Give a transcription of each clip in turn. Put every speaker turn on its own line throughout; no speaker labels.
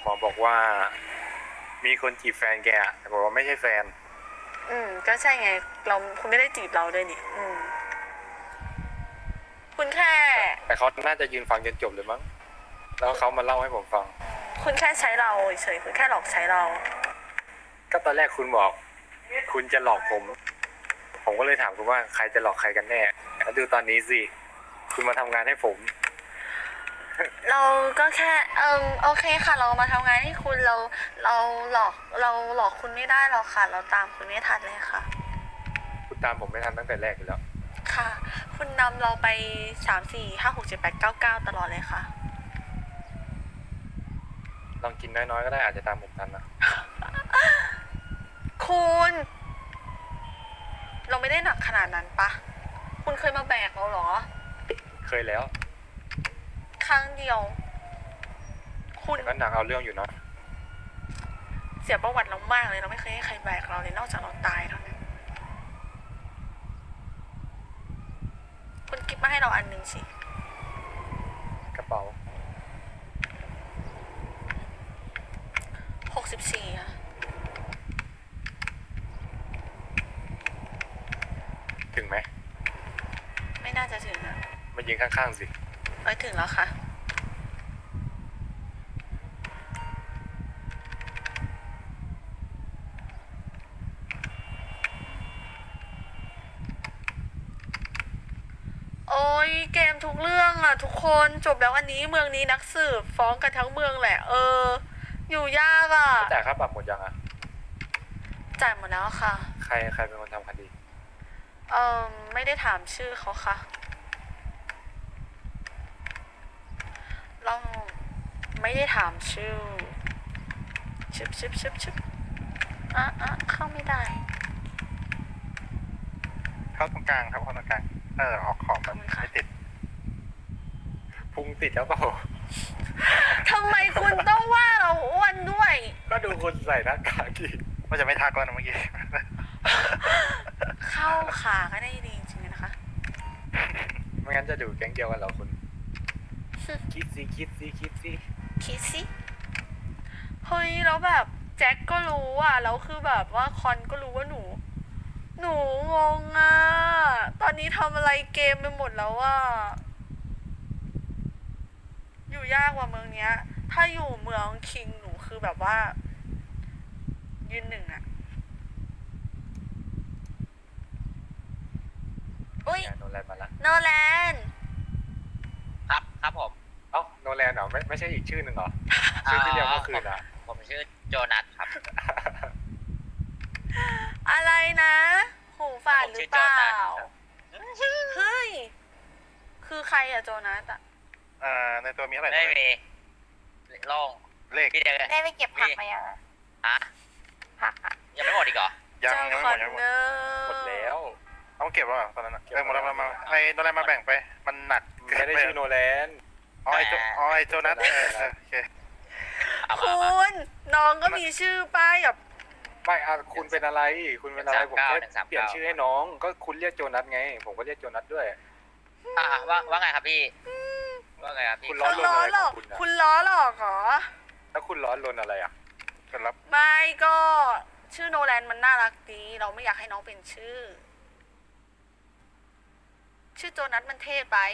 หมอบอกว่ามีคนจีบแฟนแกอะแต่บอกว่าไม่ใช่แฟน
ก็ใช่ไงเราคุณไม่ได้จีบเราด้วยนี่คุณแค่
แต่เขาน่าจะยืนฟังจนจบเลยมั้งแล้วเขามาเล่าให้ผมฟัง
คุณแค่ใช้เราเฉยคุณแค่หลอกใช้เรา
ก็ตอนแรกคุณบอก คุณจะหลอกผม ผมก็เลยถามคุณว่าใครจะหลอกใครกันแน่แล้วดูตอนนี้สิคุณมาทำงานให้ผม
เราก็แค่โอเคค่ะ เรามาทำงานให้คุณเราหลอกเราหลอกคุณไม่ได้หรอกค่ะ เราตามคุณไม่ทันเลยค่ะ
คุณตามผมไม่ทันตั้งแต่แรกอยู่แล้ว
ค่ะ คุณนำเราไป3 4 5 6 7 8 9 9ตลอดเลยค่ะ
ลองกินน้อยๆก็ได้อาจจะตามผมทันนะ
คุณเราไม่ได้หนักขนาดนั้นปะคุณเคยมาแบกเราเหรอ
เคยแล้ว
ครั้งเดียว คุณ
แต่ก็หนักเอาเรื่องอยู่นะ
เสียประวัติเรามากเลยเราไม่เคยให้ใครแบกเราเลยนอกจากเราตายเท่านั้นคุณกิฟมาให้เราอันหนึ่งสิ
กระเป๋า
64ค่ะ
ถึงไหม
ไม่น่าจะถึงนะ
มายืนข้างๆสิ
ถึงแล้วค่ะโอ้ยเกมทุกเรื่องอ่ะทุกคนจบแล้วอันนี้เมืองนี้นักสืบฟ้องกันทั้งเมืองแหละอยู่ยากอ่ะ
จ่ายค่าปรับหมดยังอ่ะ
จ่ายหมดแล้วค่ะ
ใครเป็นคนทำคดี
ไม่ได้ถามชื่อเขาค่ะเราไม่ได้ถามชื่อชึบเข้าไม่ได้
เข้าตรงกลางครับเข้าตรงกลางออกขอบมันไม่ติด
พุงติดแล้วเปล่า
ทำไมคุณต้องว่าเราอ้วนด้วย
ก็ดูคนใส่หน้ากากดิ
ว่าจะไม่ทักแล้วนะเมื่อกี้
เข้าขาก็ได้ดีจริงๆนะคะ
ไม่งั้นจะดูแก๊งเดียวกันเหรอคุณ คิดสิ
คิดสิเฮ้ยแล้วแบบแจ็คก็รู้อ่ะแล้วคือแบบว่าคอนก็รู้ว่าหนูงงอ่ะตอนนี้ทำอะไรเกมไปหมดแล้วอ่ะอยู่ยากกว่าเมืองเนี้ย ถ้าอยู่เมืองคิงหนูคือแบบว่า ยืนหนึ่งอ่ะอุ้ย
โนแลนมาละ
โนแลน
ครับผม
เอ้าโนแลนเหรอไม่ใช่อีกชื่อหนึ่งเหรอ ชื่อที่เรียกเมื่อคืนอ่ะ
ผมชื่อโจนัสครับ
อะไรนะหูฝาดหรือเปล่า เฮ้ย คือใครอะโจนัสอะ
ในตัวมีอะไร
ไม่มีโล่ง
เลข
พี่เดียว
ได้ไปเก็บผักมายังอะ
ฮะ
ผักอะ
ยังไม่หมดอีกเหรอ
ยัง
เจ้า
ไม่
ค
หม
อ
ด
น
ยังไม่หม
เน
ด
อร์
หมดแล้ว
ต้องเก็บแล้วตอนนั้นหมดแล้วมาไอ้โดนอะไรมาแบ่งไป มันหนัก
ไม่ได้ชื่อโนแลน
ไอโจนัสโอเค
เอามา
คุ
เอามา
ณน้องก็มีชื่อป้ายแบบ
ไม่คุณเป็นอะไร คุณเป็นอะไรผมแค่
139
เปลี่ยนชื่อให้น้อง ก็คุณเรียกโจนัสไง ผมก็เรียกโจนัสด้วย
ว่าไงครับพี่ ว่าไงครับพี่
คุณล้อ
คุณล้อหลอก
คุณอะ
คุณล้อหลอกเหรอ
แล้วคุณร้อนรนอะไรอ่ะ
ก็รับ
ไม่ก็ชื่อโนแลนมันน่ารักดีเราไม่อยากให้น้องเป็นชื่อ ชื่อโจนัสมันเท่ไป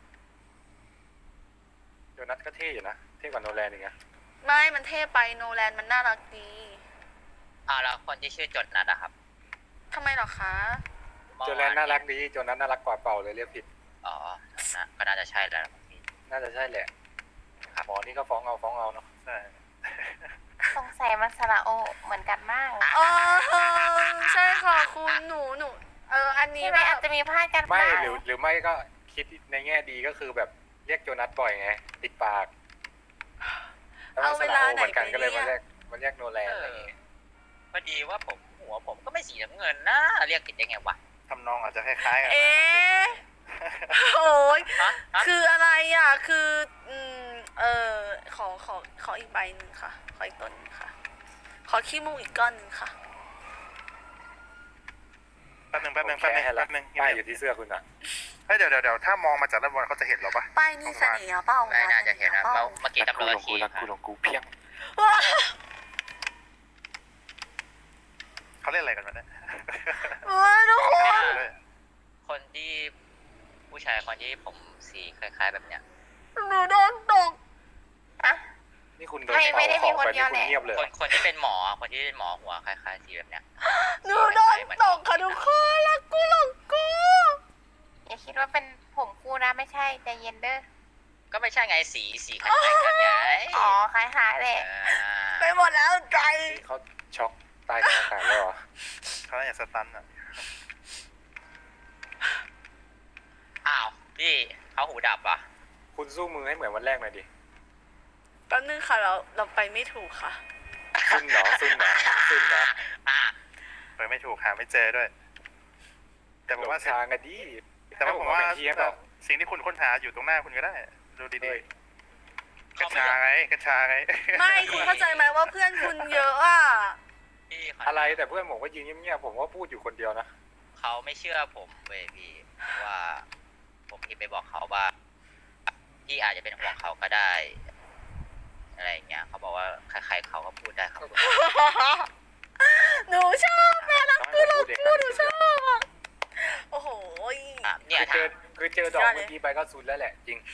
โจนัสก็เท่อยู่นะ เท่กว่าโนแลนอีกนะ
ไม่มันเท่ไปโนแลนมันน่ารักดี
แล้วคนที่ชื่อโจนัสอะครับ
ทำไมเหรอคะ
โจแลนน่ารักดี โจนัสน่ารักกว่าเปล่าเลยเรียกผิด
อ๋อก็น่าจะใช่แล้วครับพี่
น่าจะใช่แหละหมอนี่ก็ฟ้องเอาเนาะ
ใช่
สงสัยมันสระโอเหมือนกันมาก
ใช่ค่ะคุณหนูอันนี้
ใช่ไหม
แบบ
อาจจะมีพลาดกัน
ไม่
บ้าง
หรือไม่ก็คิดในแง่ดีก็คือแบบเรียกโจนัสบ่อยไง ติดปากแล้วมันสระโอเหมือนกันก็เลยมาเรียกโนแลนอะไรอย่างเงี้ย
พอดีว่าหัวผมก็ไม่สีน้ำเงินนะเรียกผิดได้ไงวะ
ทำนองอาจจะคล้ายๆกัน
โอ้ย
ฮะ
คืออะไรอ่ะ คือขออีกใบหนึ่งค่ะ ขออีกต้นหนึ่งค่ะ ขอขี้มูกอีกก้อนหนึ่งค่ะ
แป๊บนึง
ป้ายอยู่ที่เสื้อคุณอ่ะ
เดี๋ยวถ้ามองมาจากด้านบนเขาจะเห็นเราปะ
ป้ายนี่เสน่ห์เปล่า
ไม่น่าจะเห็นนะเมื่อกี้ตำรวจ
กู
ขี่
รักกูของกูเพียง
เขาเล่นอะไรกันวะเนี่ย
ทุกคน
คนที่ผู้ชายคนที่ผมสีคล้ายๆแบบเนี้ย
หนูโดนตก
อะ
นี่คุณโดน
ไม่ได้
เป่า
มี
ข
ค
อง
น
ไป
เดี
นี่
ยวแหละ
คุณเงียบเลย
คนที่เป็นหมอคนที่เป็นหมอหัวคล้ายๆสีแบบเนี้ย
หนูโดนตกค่ะทุกคนแล้วกูหลงกู
อย่าคิดว่าเป็นผมคู่นะไม่ใช่ใจเย็นเด้อ
ก็ไม่ใช่ไงสีคล้ายๆกันไง
อ๋อคล้ายๆแหละ
ไปหมดแล้วใจ
เขาช็อกตายกลางอากาศแล้วเหรอ
เขาน่าจะสตันอ่ะ
อ้าวพี่เขาหูดับอ่ะ
คุณสู้มือให้เหมือนวันแรกหน่อยดิ
แป๊บนึงค่ะเราไปไม่ถูกค่ะ
ซุ่นเหรอซุ่นเหรอซุ่นเหรอ
อ่ะ
ไปไม่ถูกหาไม่เจอด้วย แต่ผ
หล
ม
ง
ว่า
ทางกันดิ
แต่ว่าผมว่า
ให้ผเทียบหรอก
สิ่งที่คุณค้นหาอยู่ตรงหน้าคุณก็ได้ ดู
เฮ้
ดี
ย
ๆกัญชาไงกัญชาไง
ไม่คุณเข้าใจไหมว่าเพื่อนคุณเยอะอ่ะ
พี่เขา
อะไรแต่เพื่อนผมก็ยืนเงียบๆผมก็พูดอยู่คนเดียวนะ
เขาไม่เชื่อผมเว้ยพี่ว่าผมที่ไปบอกเขาว่าพี่อาจจะเป็นห่วงเขาก็ได้ อะไรอย่างเงี้ยเขาบอกว่าใครๆเขาก็พูดได้ครับ
หนูชอบแม่รักกูหลงกูหนูชอบอะโอ้โห
อ่ะเนี่ย
คือเจอดอกเมื่อกี้ไปก็ซุนแล้วแหละจริง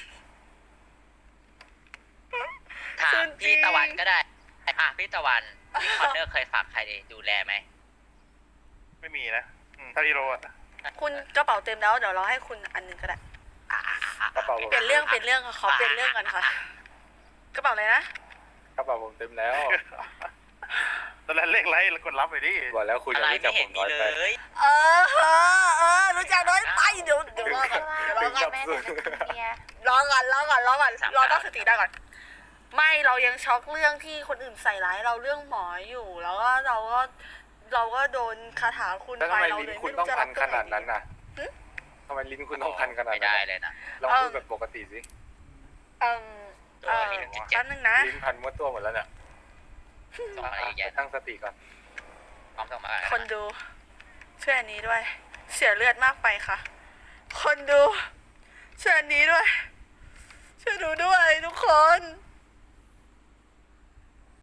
ถามพี่ตะวันก็ได้อ่ะพี่ตะวันพี่คอนเนอร์เคยฝากใครดูแลไหม
ไม่มีนะถ้าที่โรอ่ะ
คุณกระเป๋าเต็มแล้วเดี๋ยวเราให้คุณอันหนึงก็ได้
กระเป๋าผม
เปลี่ยนเรื่องค่ะขอเปลี่ยนเรื่องกันค่ะกระเป๋าอะไรนะ
กระเป๋าผมเต็มแล้ว
ตอนแรกเลขไรแล้วกดรับไปดิ
บอกแล้วคุณ
อะ
อย่า
ไร
รู้จั
ไม่
กผ
เห็น
ม
มี
น้อย
เล
ไป
ย
รู้จักน้อยไปเดี๋ยวรอก่อนเดี๋ยวรอก่อน
แม่แต่จะกินเบียร์
รอก่อนรอตั้งสติได้ก่อน ไม่เรายังช็อกเรื่องที่คนอื่นใส่ร้ายเราเรื่องหมออยู่ แล้วก็เราก็โดนคาถาคุณ
แล้ว
ไป
ทำไม
เรา
ลิ้น
เลย
คุณ
ไม่
ต้อง
รู้จะ
พั
รับ
น
ตร
ข
งไหน
นาดนั้น
ดี
น่ะทำไมลิ้นคุณต้องพันขนาด
ไม่
นั้น
ได้
น่ะ
เลยนะ
ลองพูดแบบปกติสิ
เอ่ม
ตัวลิ้นจิ๊ก
แป๊บนึงนะ
ลิ้นพันมัวตัวหมดแล้วเนี่ย
ส่งมาอีกแยะ
ตั้งสติก่อน
พร้อมส่งมา
คนดูช่วยอันนี้ด้วย เสียเลือดมากไปค่ะ คนดูช่วยอันนี้ด้วย ช่วยดูด้วยทุกคน